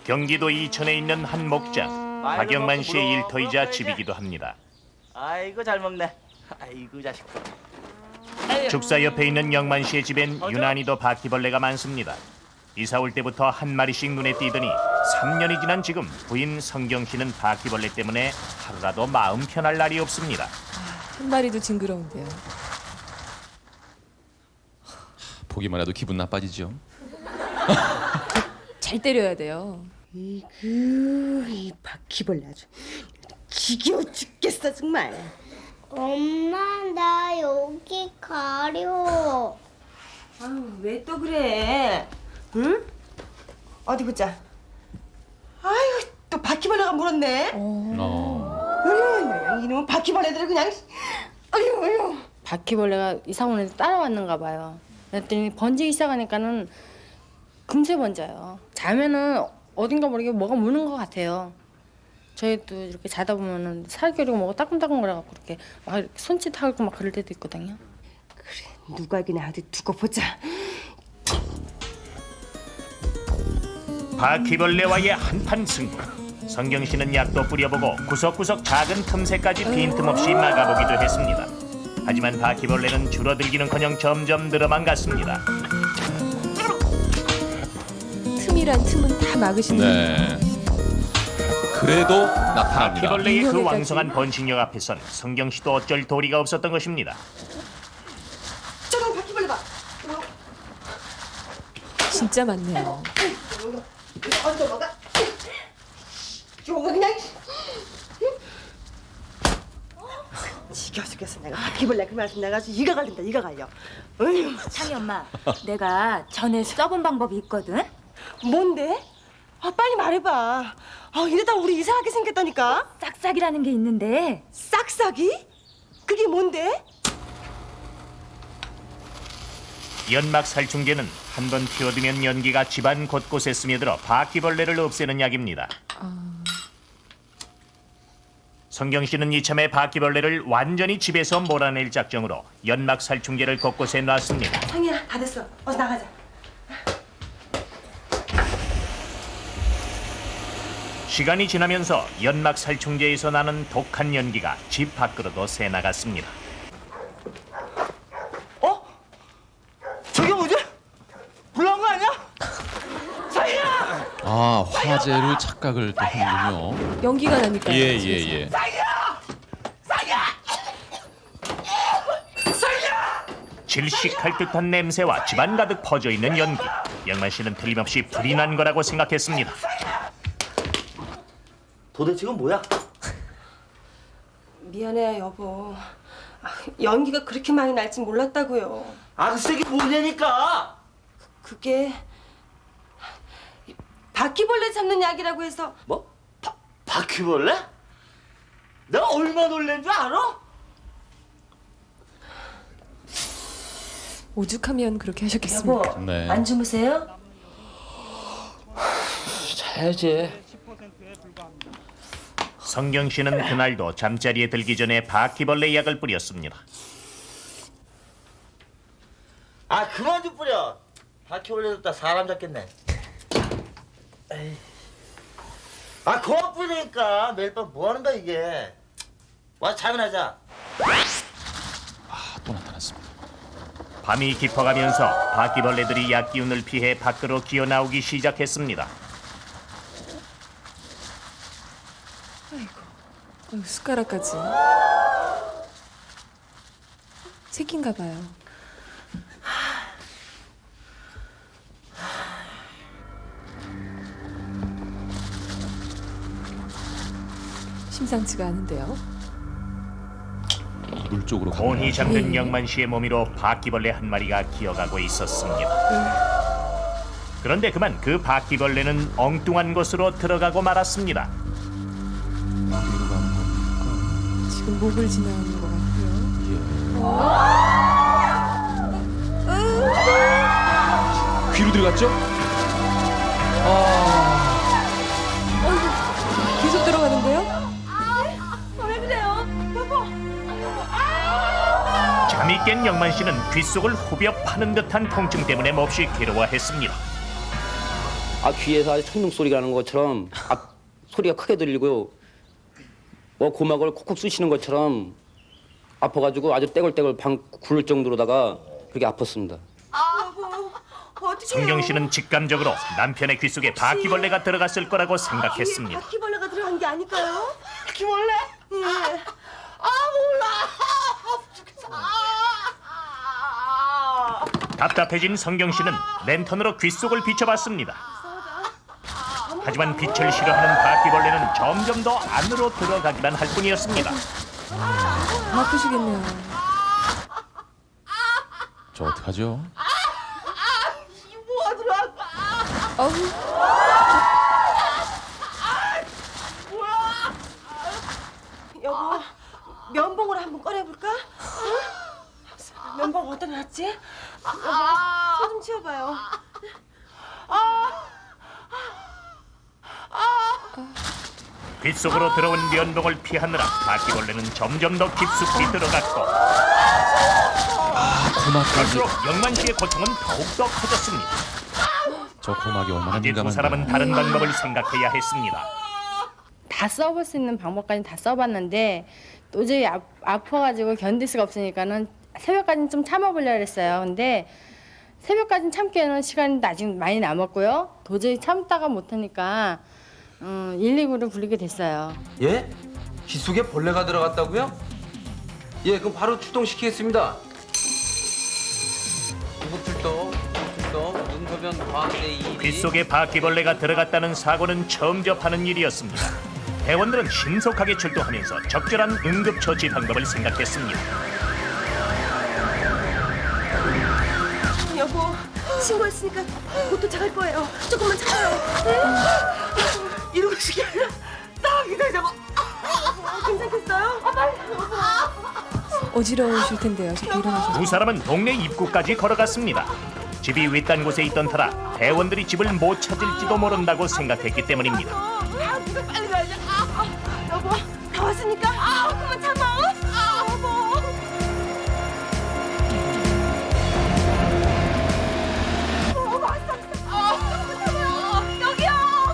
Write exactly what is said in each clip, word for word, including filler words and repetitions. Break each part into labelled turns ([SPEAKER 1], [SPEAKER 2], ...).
[SPEAKER 1] 경기도 이천에 있는 한 목장. 박영만 씨의 일터이자 집이기도 합니다.
[SPEAKER 2] 아이고 잘 먹네. 아이고 자식들.
[SPEAKER 1] 축사 옆에 있는 영만 씨의 집엔 유난히도 바퀴벌레가 많습니다. 이사 올 때부터 한 마리씩 눈에 띄더니 삼 년이 지난 지금 부인 성경 씨는 바퀴벌레 때문에 하루라도 마음 편할 날이 없습니다.
[SPEAKER 3] 한 마리도 징그러운데요.
[SPEAKER 4] 보기만 해도 기분 나빠지죠.
[SPEAKER 3] 잘 때려야 돼요.
[SPEAKER 5] 이그 이 바퀴벌레 아주 지겨워 죽겠어 정말.
[SPEAKER 6] 엄마, 나 여기 가려.
[SPEAKER 5] 아유 왜 또 그래? 응? 어디 보자. 아유 또 바퀴벌레가 물었네.
[SPEAKER 4] 어.
[SPEAKER 5] 어휴 이놈 바퀴벌레들을 그냥. 아유 아유.
[SPEAKER 7] 바퀴벌레가 이사 오는데 따라왔는가 봐요. 그랬더니 번지기 시작하니까는 금세 번져요. 자면은 어딘가 모르게 뭐가 무는 것 같아요. 저희도 이렇게 자다 보면은 살결이고 뭐가 따끔따끔 거려갖고 이렇게 막 이렇게 손짓하고 막 그럴 때도 있거든요.
[SPEAKER 5] 그래 누가 이기나 어디 두고 보자.
[SPEAKER 1] 바퀴벌레와의 한판 승부. 성경 씨는 약도 뿌려보고 구석구석 작은 틈새까지 빈틈없이 막아보기도 했습니다. 하지만 바퀴벌레는 줄어들기는커녕 점점 늘어만 갔습니다.
[SPEAKER 3] 틈이란 틈은 다 막으시는.
[SPEAKER 4] 네. 그래도 나타납니다.
[SPEAKER 1] 바퀴벌레의 그
[SPEAKER 3] 인형에까지.
[SPEAKER 1] 왕성한 번식력 앞에선 성경 씨도 어쩔 도리가 없었던 것입니다.
[SPEAKER 5] 저런 바퀴벌레 봐.
[SPEAKER 3] 진짜 많네요.
[SPEAKER 5] 이거 어디 넘어가? 이거 그냥. 지겨워 죽겠어 내가 바퀴벌레 그 말씀 내가 아주 이가 갈린다 이가 갈려. 어휴.
[SPEAKER 8] 창희 엄마, 내가 전에 써본 방법이 있거든.
[SPEAKER 5] 뭔데? 아 빨리 말해봐. 아 이러다 우리 이상하게 생겼다니까.
[SPEAKER 8] 싹싹이라는 게 있는데.
[SPEAKER 5] 싹싹이? 그게 뭔데?
[SPEAKER 1] 연막 살충제는 한 번 피워두면 연기가 집안 곳곳에 스며들어 바퀴벌레를 없애는 약입니다. 성경 씨는 이참에 바퀴벌레를 완전히 집에서 몰아낼 작정으로 연막 살충제를 곳곳에 놨습니다.
[SPEAKER 5] 상이야 다 됐어. 어서 나가자.
[SPEAKER 1] 시간이 지나면서 연막 살충제에서 나는 독한 연기가 집 밖으로도 새나갔습니다.
[SPEAKER 2] 어? 저게 뭐지? 불난 거 아니야? 자기야!
[SPEAKER 4] 아, 화재를 착각을 또 하는군요.
[SPEAKER 3] 연기가 나니까요.
[SPEAKER 4] 예,
[SPEAKER 3] 집에서.
[SPEAKER 4] 예, 예.
[SPEAKER 1] 질식할 듯한 냄새와 집안 가득 퍼져 있는 연기. 영만 씨는 틀림없이 불이 난 거라고 생각했습니다.
[SPEAKER 2] 도대체 이건 뭐야?
[SPEAKER 5] 미안해요 여보. 아, 연기가 그렇게 많이 날진 몰랐다고요.
[SPEAKER 2] 아 글쎄 이게 뭐냐니까!
[SPEAKER 5] 그게 바퀴벌레 잡는 약이라고 해서.
[SPEAKER 2] 뭐? 바, 바퀴벌레? 내가 얼마나 놀란 줄 알아?
[SPEAKER 3] 오죽하면 그렇게 하셨겠습니까?
[SPEAKER 5] 여보
[SPEAKER 4] 네.
[SPEAKER 5] 안 주무세요?
[SPEAKER 2] 자야지.
[SPEAKER 1] 성경 씨는 그날도 잠자리에 들기 전에 바퀴벌레 약을 뿌렸습니다.
[SPEAKER 2] 아 그만 좀 뿌려. 바퀴벌레 다 사람 잡겠네. 에이. 아 그만 뿌리니까 매일 밤 뭐 하는 거야 이게. 와서 잠이나자.
[SPEAKER 4] 아, 또 나타났습니다.
[SPEAKER 1] 밤이 깊어가면서 바퀴벌레들이 약 기운을 피해 밖으로 기어 나오기 시작했습니다.
[SPEAKER 3] 어휴, 숟가락까지. 새끼인가 봐요. 심상치가 않은데요.
[SPEAKER 4] 물 쪽으로
[SPEAKER 1] 곤히
[SPEAKER 4] 가면
[SPEAKER 1] 잠든
[SPEAKER 3] 예.
[SPEAKER 1] 영만 씨의 몸으로 바퀴벌레 한 마리가 기어가고 있었습니다. 그런데 그만 그 바퀴벌레는 엉뚱한 곳으로 들어가고 말았습니다.
[SPEAKER 4] 어디로 가는 겁니까?
[SPEAKER 3] 지금 목을 지나는 것 같고요.
[SPEAKER 4] 귀로 들어갔죠? 아,
[SPEAKER 3] 계속 들어가는데요?
[SPEAKER 1] 잠이 깬 영만 씨는 귓속을 후벼 파는 듯한 통증 때문에 몹시 괴로워했습니다.
[SPEAKER 9] 아 귀에서 아주 천둥 소리가 나는 것처럼 아, 소리가 크게 들리고요. 뭐 고막을 콕콕 쑤시는 것처럼 아파가지고 아주 떼굴떼굴 방 굴을 정도로다가 그렇게 아팠습니다.
[SPEAKER 1] 성경 씨는 직감적으로 남편의 귀 속에 바퀴벌레가 들어갔을 거라고 생각했습니다.
[SPEAKER 5] 바퀴벌레가 들어간 게 아닐까요? 바퀴벌레? 예. 아 몰라.
[SPEAKER 1] 답답해진 성경 씨는 랜턴으로 귀 속을 비춰봤습니다. 하지만 빛을 싫어하는 바퀴벌레는 점점 더 안으로 들어가기만 할 뿐이었습니다.
[SPEAKER 3] 아프시겠네요.
[SPEAKER 4] 저 어떡하죠?
[SPEAKER 5] 뭐가 들어왔어?
[SPEAKER 3] 어우,
[SPEAKER 5] 여보, 면봉으로 한번 꺼내볼까? 응? 면봉 어디다 놨지? 여보, 손 좀 치워봐요.
[SPEAKER 1] 귀 속으로 들어온 면봉을 피하느라 바퀴벌레는 점점 더 깊숙이 들어갔고
[SPEAKER 4] 고막까지.
[SPEAKER 1] 갈수록 영만 씨의 고통은 더욱더 커졌습니다.
[SPEAKER 4] 저 고막이 얼마나
[SPEAKER 1] 이제 두
[SPEAKER 4] 민감한가.
[SPEAKER 1] 사람은 다른 방법을 생각해야 했습니다.
[SPEAKER 7] 다 써볼 수 있는 방법까지 다 써봤는데 도저히 아, 아파가지고 견딜 수가 없으니까는 새벽까지는 좀 참아보려고 했어요. 근데 새벽까지는 참기에는 시간이 아직 많이 남았고요. 도저히 참다가 못하니까 음, 일일구를 부르게 됐어요.
[SPEAKER 9] 예? 귀 속에 벌레가 들어갔다고요? 예, 그럼 바로 출동시키겠습니다. 구급출동, 구급출동, 눈소변 과학대 이.
[SPEAKER 1] 귀 속에 바퀴벌레가 들어갔다는 사고는 처음 접하는 일이었습니다. 대원들은 신속하게 출동하면서 적절한 응급처치 방법을 생각했습니다.
[SPEAKER 5] 여보, 신고했으니까 곧 도착할 거예요. 조금만 참아요. 네? 이러고 싶게 아니라 나 기다려봐. 괜찮겠어요? 아, 빨리.
[SPEAKER 3] 어지러우실 텐데요. 저기 일어나셔서.
[SPEAKER 1] 두 사람은 동네 입구까지 걸어갔습니다. 집이 외딴 곳에 있던 터라 대원들이 집을 못 찾을지도 모른다고 생각했기 때문입니다.
[SPEAKER 5] 아, 네가 빨리 가야지. 아, 아, 여보, 다 왔으니까. 아, 그만 참아. 아, 여보. 어, 왔어. 아, 그만 참아요. 여기요.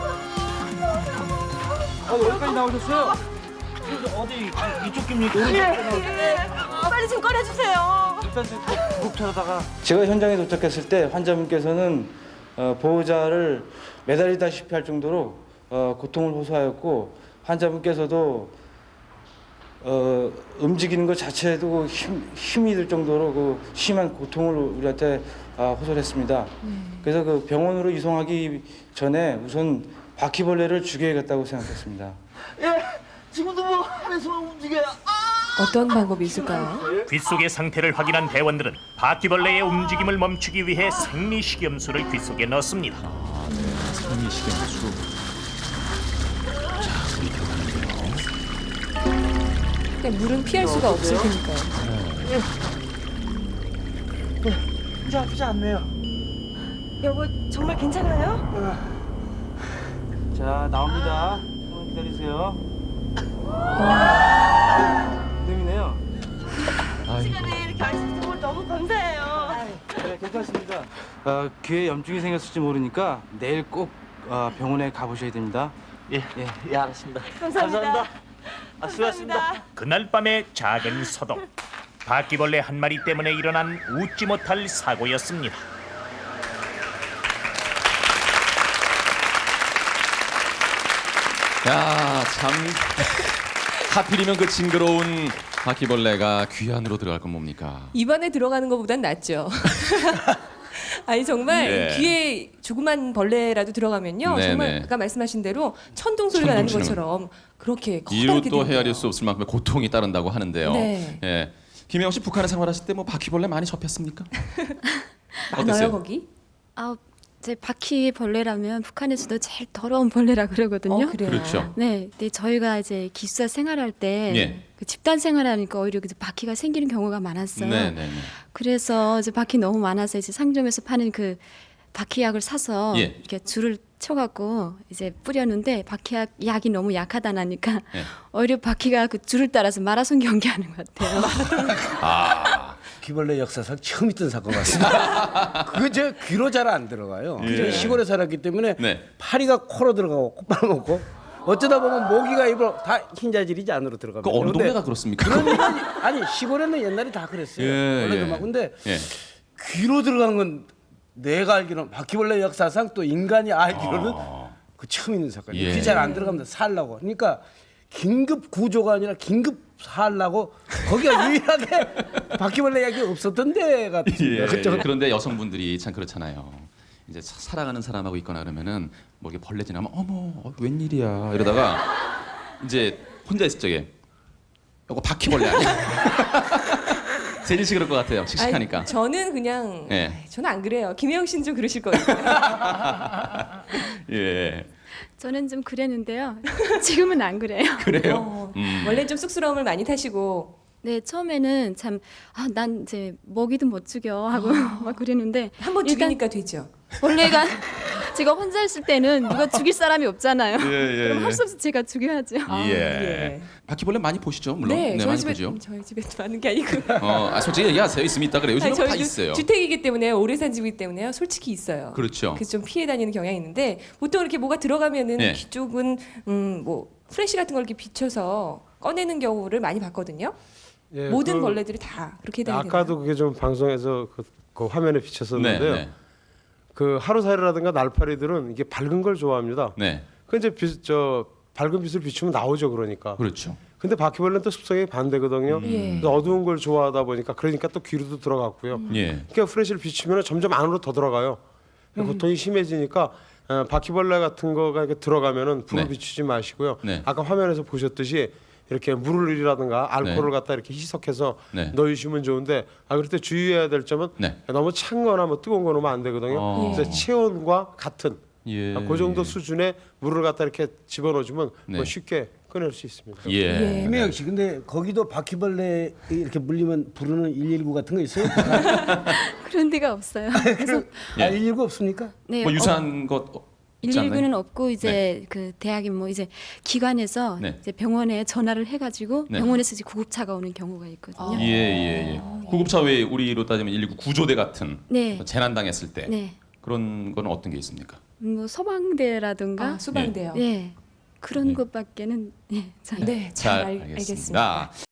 [SPEAKER 2] 아, 여기까지 나오셨어요? 어디 이쪽 입니까?
[SPEAKER 5] 예, 예. 빨리 좀 꺼내주세요.
[SPEAKER 2] 일단 구급차로다가
[SPEAKER 10] 제가 현장에 도착했을 때 환자분께서는 어, 보호자를 매달리다시피 할 정도로 어, 고통을 호소하였고 환자분께서도 어, 움직이는 것 자체도 힘, 힘이 들 정도로 그 심한 고통을 우리한테 어, 호소를 했습니다. 그래서 그 병원으로 이송하기 전에 우선 바퀴벌레를 죽여야겠다고 생각했습니다.
[SPEAKER 2] 예, 지금도 뭐 안에서 움직여요.
[SPEAKER 3] 어떤 방법이 있을까요?
[SPEAKER 1] 귀 속의 상태를 확인한 대원들은 바퀴벌레의 움직임을 멈추기 위해 생리식염수를 귀 속에 넣습니다.
[SPEAKER 4] 아, 네. 생리식염수. 자, 물이 들어가는데요.
[SPEAKER 3] 근데 물은 피할 수가 없을 테니까요.
[SPEAKER 2] 이제 아프지 않네요.
[SPEAKER 5] 여보, 정말 괜찮아요?
[SPEAKER 2] 자, 나옵니다. 조금 기다리세요. 힘드네요.
[SPEAKER 4] 아이고.
[SPEAKER 5] 시간에 이렇게 아시는 걸 너무 감사해요.
[SPEAKER 10] 네, 괜찮습니다. 어, 귀에 염증이 생겼을지 모르니까 내일 꼭 어, 병원에 가보셔야 됩니다.
[SPEAKER 2] 예, 예, 예, 알았습니다.
[SPEAKER 5] 감사합니다.
[SPEAKER 2] 아, 수고하셨습니다.
[SPEAKER 1] 그날 밤의 작은 서동. 바퀴벌레 한 마리 때문에 일어난 웃지 못할 사고였습니다.
[SPEAKER 4] 야, 참. 하필이면 그 징그러운 바퀴벌레가 귀 안으로 들어갈 건 뭡니까?
[SPEAKER 3] 입안에 들어가는 것보단 낫죠. 아니 정말
[SPEAKER 4] 네.
[SPEAKER 3] 귀에 조그만 벌레라도 들어가면요
[SPEAKER 4] 네,
[SPEAKER 3] 정말
[SPEAKER 4] 네.
[SPEAKER 3] 아까 말씀하신 대로 천둥 소리가 나는
[SPEAKER 4] 천둥 치는
[SPEAKER 3] 것처럼 그렇게
[SPEAKER 4] 이루
[SPEAKER 3] 커다랗게
[SPEAKER 4] 또
[SPEAKER 3] 들려요.
[SPEAKER 4] 헤아릴 수 없을 만큼의 고통이 따른다고 하는데요.
[SPEAKER 3] 네.
[SPEAKER 4] 예. 김혜영 씨 북한에 생활하실 때 뭐 바퀴벌레 많이 접했습니까?
[SPEAKER 3] 많아요
[SPEAKER 4] 어땠어요?
[SPEAKER 3] 거기?
[SPEAKER 11] 아, 제 바퀴벌레라면 북한에서도 제일 더러운 벌레라 그러거든요.
[SPEAKER 3] 어, 그래요.
[SPEAKER 4] 그렇죠.
[SPEAKER 11] 네, 근데 저희가 이제 기숙사 생활할 때
[SPEAKER 4] 예.
[SPEAKER 11] 그 집단 생활하니까 오히려 그 바퀴가 생기는 경우가 많았어요.
[SPEAKER 4] 네, 네, 네.
[SPEAKER 11] 그래서 이제 바퀴 너무 많아서 이제 상점에서 파는 그 바퀴약을 사서
[SPEAKER 4] 예.
[SPEAKER 11] 이렇게 줄을 쳐갖고 이제 뿌렸는데 바퀴약 약이 너무 약하다 나니까
[SPEAKER 4] 예.
[SPEAKER 11] 오히려 바퀴가 그 줄을 따라서 마라손 경기하는 것 같아요.
[SPEAKER 4] 아,
[SPEAKER 12] 바퀴벌레 역사상 처음 있던 사건 같습니다. 그거 제 귀로 잘 안 들어가요.
[SPEAKER 4] 예.
[SPEAKER 12] 제가 시골에 살았기 때문에
[SPEAKER 4] 네.
[SPEAKER 12] 파리가 코로 들어가고 콧발 먹고 어쩌다 보면 모기가 입으로 다 흰자질이지 안으로 들어갑니다.
[SPEAKER 4] 그 어느
[SPEAKER 12] 근데
[SPEAKER 4] 동네가 그렇습니까?
[SPEAKER 12] 그런 일은 아니 시골에는 옛날에 다 그랬어요.
[SPEAKER 4] 예,
[SPEAKER 12] 원래
[SPEAKER 4] 예.
[SPEAKER 12] 막 근데
[SPEAKER 4] 예.
[SPEAKER 12] 귀로 들어간 건 내가 알기로는 바퀴벌레 역사상 또 인간이 알기로는 그 처음 있는 사건이에요.
[SPEAKER 4] 예.
[SPEAKER 12] 귀 잘 안 들어갑니다. 살라고. 그러니까 긴급 구조가 아니라 긴급 살라고 거기가 유일하게 바퀴벌레 이야기 없었던 데 같습니다.
[SPEAKER 4] 예,
[SPEAKER 12] 그쪽.
[SPEAKER 4] 그런데 여성분들이 참 그렇잖아요. 이제 사- 사랑하는 사람하고 있거나 그러면은 뭐 이렇게 벌레 지나면 어머 어, 웬일이야 이러다가 이제 혼자 있을 적에 이거 바퀴벌레 아니야? 세진 씨 그럴 것 같아요. 씩씩하니까.
[SPEAKER 3] 아니, 저는 그냥
[SPEAKER 4] 예.
[SPEAKER 3] 아이, 저는 안 그래요. 김혜영 씨는 좀 그러실 거예요.
[SPEAKER 4] 예.
[SPEAKER 11] 저는 좀 그랬는데요. 지금은 안 그래요.
[SPEAKER 4] 그래요?
[SPEAKER 3] 어,
[SPEAKER 4] 음.
[SPEAKER 3] 원래 좀 쑥스러움을 많이 타시고
[SPEAKER 11] 네, 처음에는 참 아, 난 이제 먹이도 못 죽여 하고 막 그랬는데
[SPEAKER 3] 한 번
[SPEAKER 11] 일단
[SPEAKER 3] 죽이니까 되죠.
[SPEAKER 11] 원래가 제가 혼자 있을 때는 누가 죽일 사람이 없잖아요.
[SPEAKER 4] 예, 예,
[SPEAKER 11] 그럼
[SPEAKER 4] 예.
[SPEAKER 11] 할 수 없이 제가 죽여야죠.
[SPEAKER 3] 아,
[SPEAKER 4] 예.
[SPEAKER 3] 예.
[SPEAKER 4] 바퀴벌레 많이 보시죠, 물론.
[SPEAKER 3] 네, 저희
[SPEAKER 4] 많이
[SPEAKER 3] 집에
[SPEAKER 4] 보죠.
[SPEAKER 3] 저희 집에 많은 게 아니고.
[SPEAKER 4] 어, 아, 솔직히 얘기하세요. 있으면 있다 그래요. 요즘은
[SPEAKER 3] 아니,
[SPEAKER 4] 다
[SPEAKER 3] 저희도
[SPEAKER 4] 있어요.
[SPEAKER 3] 주택이기 때문에 오래 산 집이기 때문에요. 솔직히 있어요.
[SPEAKER 4] 그렇죠.
[SPEAKER 3] 그래서 좀 피해 다니는 경향이 있는데 보통 이렇게 뭐가 들어가면은
[SPEAKER 4] 네.
[SPEAKER 3] 귀 쪽은 음, 뭐 프레시 같은 걸 이렇게 비춰서 꺼내는 경우를 많이 봤거든요.
[SPEAKER 13] 예,
[SPEAKER 3] 모든
[SPEAKER 13] 그
[SPEAKER 3] 벌레들이 다 그렇게 되는
[SPEAKER 13] 아까도 그게 좀 방송에서 그, 그 화면에 비쳤었는데요.
[SPEAKER 4] 네, 네.
[SPEAKER 13] 그 하루살이라든가 날파리들은 이게 밝은 걸 좋아합니다.
[SPEAKER 4] 네.
[SPEAKER 13] 그 이제 빛, 저 밝은 빛을 비추면 나오죠, 그러니까.
[SPEAKER 4] 그렇죠.
[SPEAKER 13] 근데 바퀴벌레는 또 습성이 반대거든요.
[SPEAKER 3] 예.
[SPEAKER 13] 그래서 어두운 걸 좋아하다 보니까 그러니까 또 귀로도 들어갔고요.
[SPEAKER 4] 예.
[SPEAKER 13] 그러니까 프레시를 비추면 점점 안으로 더 들어가요. 그러니까 고통이 심해지니까 어, 바퀴벌레 같은 거가 이렇게 들어가면은 불을
[SPEAKER 4] 네.
[SPEAKER 13] 비추지 마시고요.
[SPEAKER 4] 네.
[SPEAKER 13] 아까 화면에서 보셨듯이 이렇게 물이라든가 알코올을
[SPEAKER 4] 네.
[SPEAKER 13] 갖다 이렇게 희석해서
[SPEAKER 4] 네.
[SPEAKER 13] 넣으시면 좋은데 아 그럴 때 주의해야 될 점은
[SPEAKER 4] 네.
[SPEAKER 13] 너무 찬거나 뭐 뜨거운 거 넣으면 안 되거든요.
[SPEAKER 4] 어.
[SPEAKER 13] 그래서 체온과 같은
[SPEAKER 4] 예.
[SPEAKER 13] 그 정도 수준의 물을 갖다 이렇게 집어넣어주면
[SPEAKER 4] 네.
[SPEAKER 13] 뭐 쉽게 꺼낼 수 있습니다.
[SPEAKER 4] 예.
[SPEAKER 12] 김혜영 씨, 근데 거기도 바퀴벌레 이렇게 물리면 부르는 일일구 같은 거 있어요?
[SPEAKER 11] 그런 데가 없어요. 그래서
[SPEAKER 4] 예.
[SPEAKER 12] 아, 일일구 없습니까?
[SPEAKER 11] 네,
[SPEAKER 4] 뭐 유사한 것 어, 있지 않나요?
[SPEAKER 11] 일일구는 없고 이제 그 대학이 뭐 이제 기관에서
[SPEAKER 4] 네.
[SPEAKER 11] 이제 병원에 전화를 해가지고
[SPEAKER 4] 네.
[SPEAKER 11] 병원에서 이제 구급차가 오는 경우가 있거든요.
[SPEAKER 4] 예, 예, 예. 구급차 외에 우리로 따지면 일일구 구조대 같은
[SPEAKER 11] 네.
[SPEAKER 4] 뭐 재난 당했을 때
[SPEAKER 11] 네,
[SPEAKER 4] 그런 거는 어떤 게 있습니까?
[SPEAKER 11] 뭐 소방대라든가
[SPEAKER 3] 아, 수방대요.
[SPEAKER 11] 네 그런
[SPEAKER 4] 네.
[SPEAKER 11] 것밖에는 예, 잘
[SPEAKER 3] 네, 잘, 알, 알겠습니다.
[SPEAKER 4] 알겠습니다.